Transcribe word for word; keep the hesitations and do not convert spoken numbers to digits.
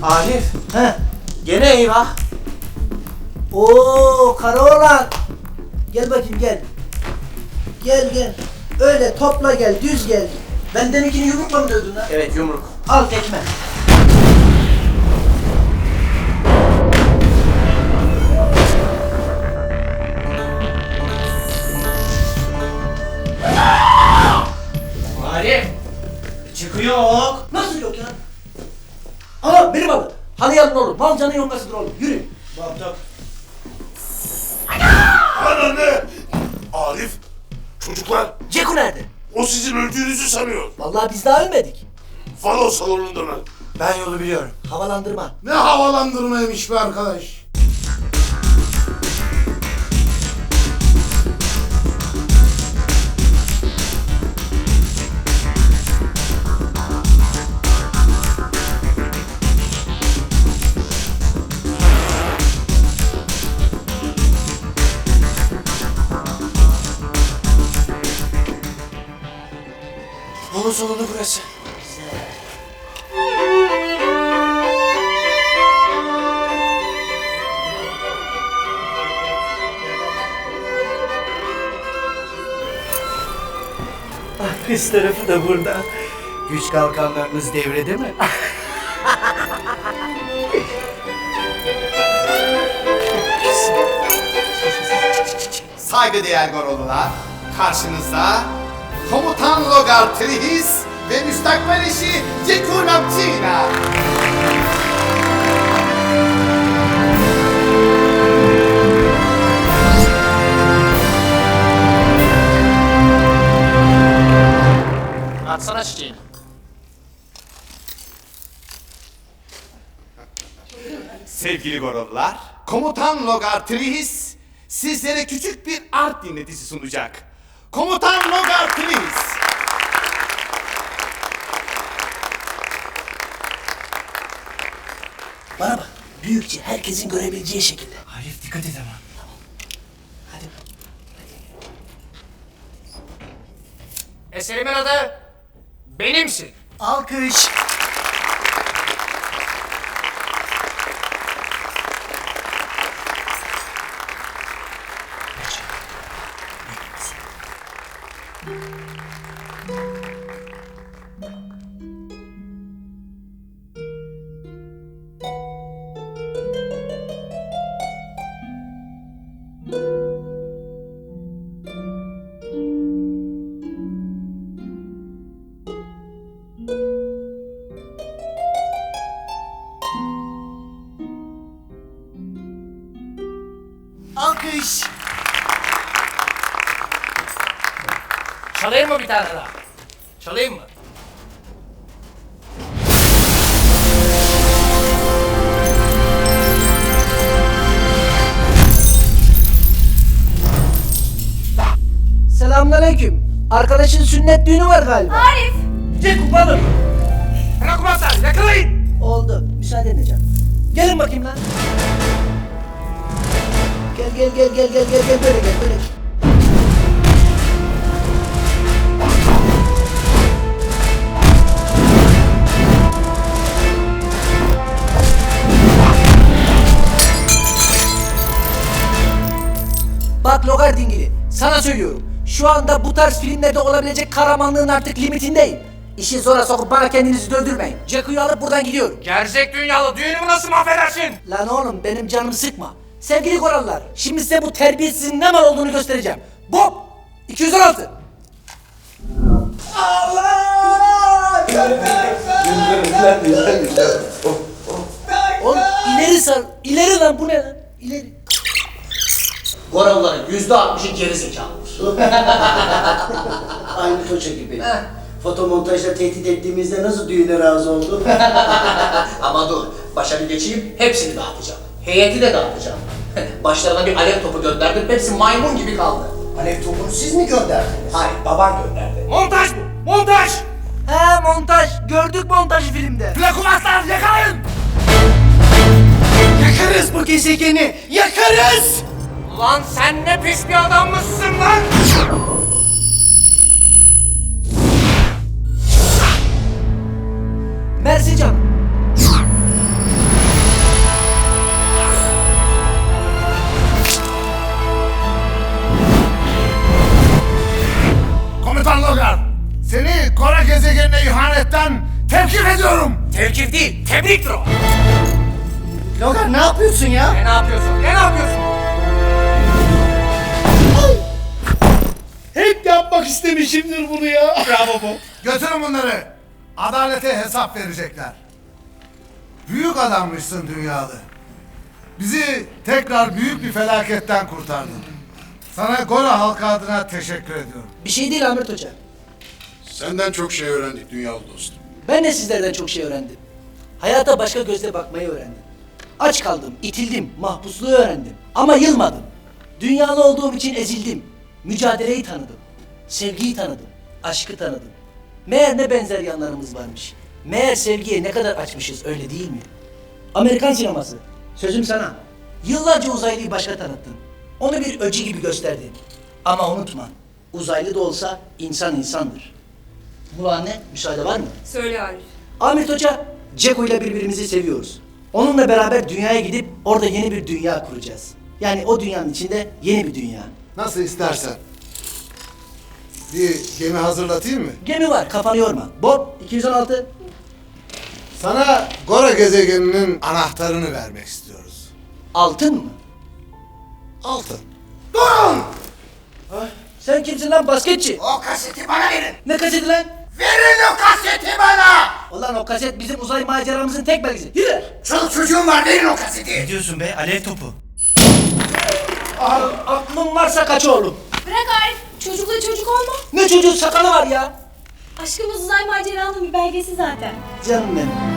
Arif, He. gene eyvah. Oo Karaoğlan. Gel bakayım gel. Gel gel. Öyle topla gel, düz gel. Ben deminkini yumrukla mı dövdün lan? Evet, yumruk. Al tekme. Arif, çıkıyor. Nasıl yok ya? Aa benim abi. Halı yalın olur. Malcanın yongasıdır oğlum. Yürü. Bak bak. Anne! Arif! Çocuklar! Ceku nerede? O sizin öldüğünüzü sanıyor. Vallahi biz daha ölmedik. Falo salonunda mı? Ben yolu biliyorum. Havalandırma. Ne havalandırmaymış be arkadaş. Yolun sonunda burası. Ah, kız tarafı da burada. Güç kalkanlarınız devrede mi? Saygıdeğer Gorolular, karşınızda Komutan Logar Trihis ve müstakbel eşi Ceku Napçina. Atsana çiçeğini. Sevgili Gorolular, Komutan Logar Trihis sizlere küçük bir art dinletisi sunacak. Komutan Logar Trihis. Bana bak. Büyükçe herkesin görebileceği şekilde. Arif dikkat et ama. Hadi. Eserimin adı Benimsin. Alkış. Alkış. Çalayım mı bir tane daha? Çalayım mı? Selamünaleyküm. Arkadaşın sünnet düğünü var galiba. Arif! Ceku balım. Bırakmazlar, yakalayın! Oldu. Müsaade edeceğim. Gelin bakayım lan. Gel gel gel gel gel gel gel böyle gel böyle. gel. Bak Logar dingili, sana söylüyorum. Şu anda bu tarz filmlerde olabilecek kahramanlığın artık limitindeyim. İşi zora sokup bana kendinizi döndürmeyin. Jacku'yu alıp buradan gidiyorum. Gerzek dünyalı düğünümü nasıl mahvedersin? Lan oğlum benim canımı sıkma. Sevgili korallar, şimdi size bu terbiyesizin ne mal olduğunu göstereceğim. Bob! iki yüz on altı. Allah! Oğlum ileri sar, ileri lan bu ne lan? İleri. Goralların yüzde altmışı geri zekalıdır. Aynı Toça gibi. Fotomontajla tehdit ettiğimizde nasıl düğüne razı oldu? Ama dur, başa bir geçeyim, hepsini dağıtacağım. Heyeti de dağıtacağım. Başlarına bir alev topu gönderdim, hepsi maymun gibi kaldı. Alev topunu siz mi gönderdiniz? Hayır, baban gönderdi. Montaj bu! Montaj! He montaj, gördük montajı filmde. Plakumaslar yakalayın! Yakarız bu gezegeni, yakarız! Ulan sen ne pis bir adammışsın lan! Mersi canım. gezegenine ihanetten tevkif ediyorum. Tevkif değil, tebriktir o. Logan ne yapıyorsun ya? Ne yapıyorsun? Ne yapıyorsun? Hep yapmak istemişimdir bunu ya. Bravo Bob. Götürün bunları. Adalete hesap verecekler. Büyük adammışsın dünyalı. Bizi tekrar büyük bir felaketten kurtardın. Sana Gora halkı adına teşekkür ediyorum. Bir şey değil Ahmet Hoca. Senden çok şey öğrendik dünyalı dostum. Ben de sizlerden çok şey öğrendim. Hayata başka gözle bakmayı öğrendim. Aç kaldım, itildim, mahpusluğu öğrendim. Ama yılmadım. Dünyalı olduğum için ezildim. Mücadeleyi tanıdım. Sevgiyi tanıdım. Aşkı tanıdım. Meğer ne benzer yanlarımız varmış. Meğer sevgiye ne kadar açmışız, öyle değil mi? Amerikan sineması. Sözüm sana. Yıllarca uzaylıyı başka tanıttın. Onu bir öcü gibi gösterdin. Ama unutma. Uzaylı da olsa insan insandır. Bu anne, müsaade var mı? Söyle Arif. Ahmet Hoca, Ceko ile birbirimizi seviyoruz. Onunla beraber dünyaya gidip orada yeni bir dünya kuracağız. Yani o dünyanın içinde yeni bir dünya. Nasıl istersen. Bir gemi hazırlatayım mı? Gemi var, kafanı yorma. Bob, iki yüz on altı. Sana Gora gezegeninin anahtarını vermek istiyoruz. Altın mı? Altın. Sen kimsin lan basketçi? O kaseti bana verin. Ne kaseti lan? Verin o kaseti bana. Ulan o kaset bizim uzay maceramızın tek belgesi. Yürü! Çoluk çocuğum var, verin o kaseti. Ne diyorsun be? Alev topu. Ah, aklın varsa kaç oğlum. Bırak Arif. Çocukla çocuk olma. Ne çocuğun sakalı var ya? Aşkımız uzay maceranın bir belgesi zaten. Canım benim.